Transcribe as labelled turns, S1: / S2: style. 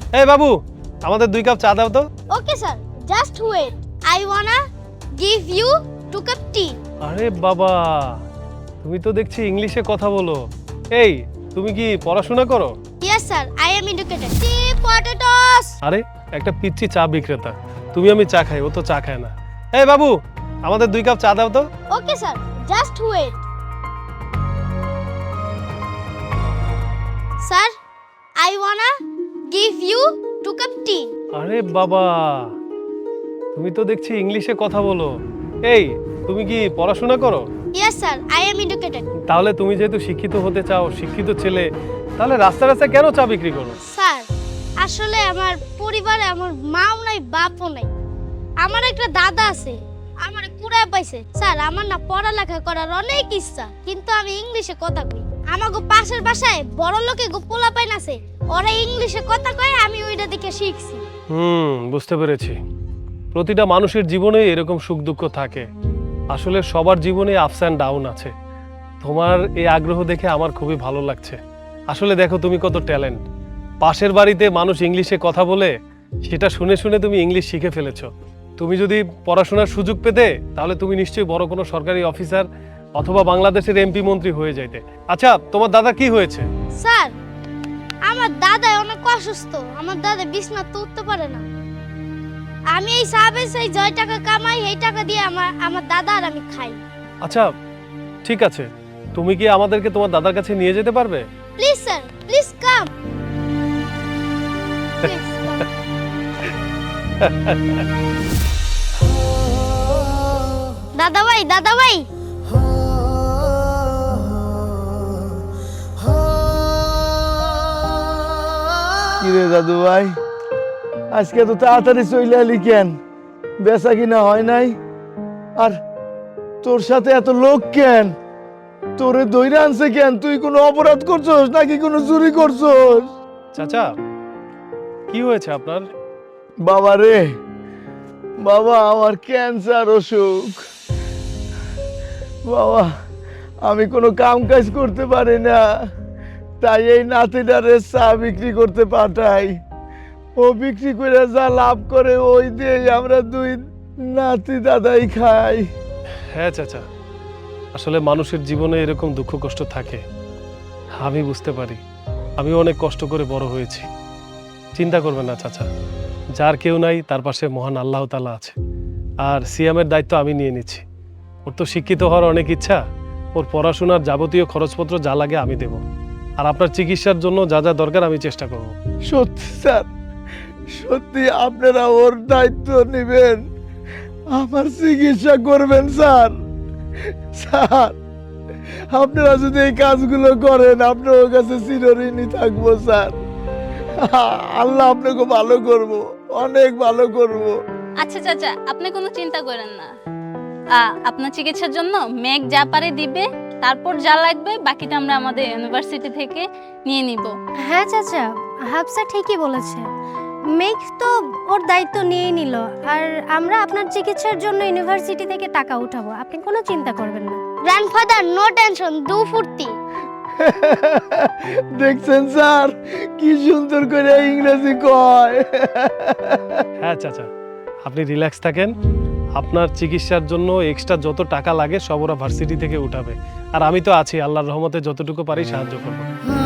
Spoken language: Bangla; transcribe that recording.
S1: এই বাবু, আমাদের 2 কাপ চা দাও তো।
S2: Okay sir, just wait. I wanna give you 2 cup tea.
S1: আরে বাবা, তুমি তো দেখছি ইংলিশে কথা বলো। এই, তুমি কি পড়াশোনা করো?
S2: Yes sir, I am educated. Tea potatoes.
S1: আরে একটা পিচ্চি চা বিক্রেতা, তুমি আমি চা খাই, ও তো চা খায় না। এই বাবু, আমাদের 2 কাপ চা দাও তো।
S2: Okay sir, just wait. Sir, I wanna give you 2 cup tea.
S1: আরে বাবা, তুমি তো দেখছি ইংলিশে কথা বলো। এই, তুমি কি পড়াশোনা করো?
S2: Yes sir, I am educated.
S1: তাহলে তুমি যেহেতু শিক্ষিত হতে চাও, শিক্ষিত ছেলে, তাহলে রাস্তায় রাস্তায় কেন চা বিক্রি করো?
S2: স্যার, আসলে আমার পরিবারে আমার মাও নাই বাপও নাই। আমার একটা দাদা আছে, আমার কুড়ায় পাইছে। স্যার, আমার না পড়ালেখা করার অনেক ইচ্ছা, কিন্তু আমি ইংলিশে কথা কই। আমাগো পাশের বাসায় বড় লোকে গো পোলা পাইন আছে, ওরা ইংলিশে কথা কয়, আমি ওইটা দেখে শিখছি।
S1: বুঝতে পেরেছি। প্রতিটা মানুষের জীবনে এরকম সুখ দুঃখ থাকে। আসলে সবার জীবনে আপস অ্যান্ড ডাউন আছে। তোমার এই আগ্রহ দেখে আমার খুবই ভালো লাগছে। আসলে দেখো, তুমি কত ট্যালেন্ট। পাশের বাড়িতে মানুষ ইংলিশে কথা বলে, সেটা শুনে শুনে তুমি ইংলিশ শিখে ফেলেছো। তুমি যদি পড়াশোনার সুযোগ পেতে, তাহলে তুমি নিশ্চয়ই বড় কোনো সরকারি অফিসার অথবা বাংলাদেশের এমপি মন্ত্রী হয়ে যাইতে। আচ্ছা, তোমার দাদা কি হয়েছে?
S2: স্যার, আমার দাদা অনেক অসুস্থ। আমার দাদা বিছানাতে উঠতে পারে না। আমি এই সাবের সেই জয় টাকা কামাই, এই টাকা দিয়ে আমার দাদা আর আমি খাই।
S1: আচ্ছা, ঠিক আছে, তুমি কি আমাদেরকে তোমার দাদার কাছে নিয়ে যেতে পারবে?
S2: Please sir, please come. দাদা ভাই, দাদা ভাই।
S3: কিরে দাদু ভাই, আজকে তো তাড়াতাড়ি চলে এলি কেন? বেচা কিনা হয় নাই? আর তোর সাথে এত লোক কেন? তোরে দইরা আনছে কেন? তুই কোনো অপরাধ করছস নাকি কোনো চুরি করছস?
S1: চাচা, কি হয়েছে আপনার?
S3: বাবা রে বাবা, আমার ক্যান্সার অসুখ। বাবা, আমি কোনো কাম কাজ করতে পারি না, তাই এই নাতিটারে চা বিক্রি করতে পাঠাই। ও বিক্রি করে যা লাভ করে ওই দিয়ে আমরা 2 নাতি দাদাই খাই।
S1: হ্যাঁ চাচা, আসলে মানুষের জীবনে এরকম দুঃখ কষ্ট থাকে, আমি বুঝতে পারি। আমি অনেক কষ্ট করে বড় হয়েছি। চিন্তা করবেন না চাচা, যার কেউ নাই তার পাশে মহান আল্লাহ তাআলা আছে। আর সিয়ামের দায়িত্ব আমি নিয়ে নিচ্ছি। ওর তো শিক্ষিত হওয়ার অনেক ইচ্ছা, ওর পড়াশোনার যাবতীয় খরচপত্র যা লাগে আমি দেব। আর আপনার চিকিৎসার জন্য যা যা দরকার আমি চেষ্টা করব।
S3: সত্যি স্যার, সত্যি আপনারা ওর দায়িত্ব নেবেন, আমার চিকিৎসা করবেন স্যার। স্যার, আপনারা যদি এই কাজগুলো করেন, আপনার কাছে চিরঋণী থাকবো স্যার। আল্লাহ আপনাকে ভালো করব, অনেক ভালো করব।
S4: আচ্ছা চাচা, আপনি কোনো চিন্তা করেন না। আপনার চিকিৎসার জন্য মেঘ যা পারে দিবে, তারপর যা লাগবে বাকিটা আমরা আমাদের ইউনিভার্সিটি থেকে নিয়ে নিব।
S5: হ্যাঁ চাচা, হাফসা ঠিকই বলেছে। মেঘ তো ওর দায়িত্ব নিয়েই নিল, আর আমরা আপনার চিকিৎসার জন্য ইউনিভার্সিটি থেকে টাকা উঠাবো, আপনি কোনো চিন্তা করবেন না।
S2: গ্র্যান্ডফাদার, নো টেনশন, দু ফুর্তি।
S3: দেখছেন স্যার, কি সুন্দর করে ইংরেজি কয়।
S1: হ্যাঁ চাচা, আপনি রিল্যাক্স থাকেন। আপনার চিকিৎসার জন্য এক্সট্রা যত টাকা লাগে সব ওরা ভার্সিটি থেকে উঠাবে। আর আমি তো আছি, আল্লাহর রহমতে যতটুকু পারি সাহায্য করবো।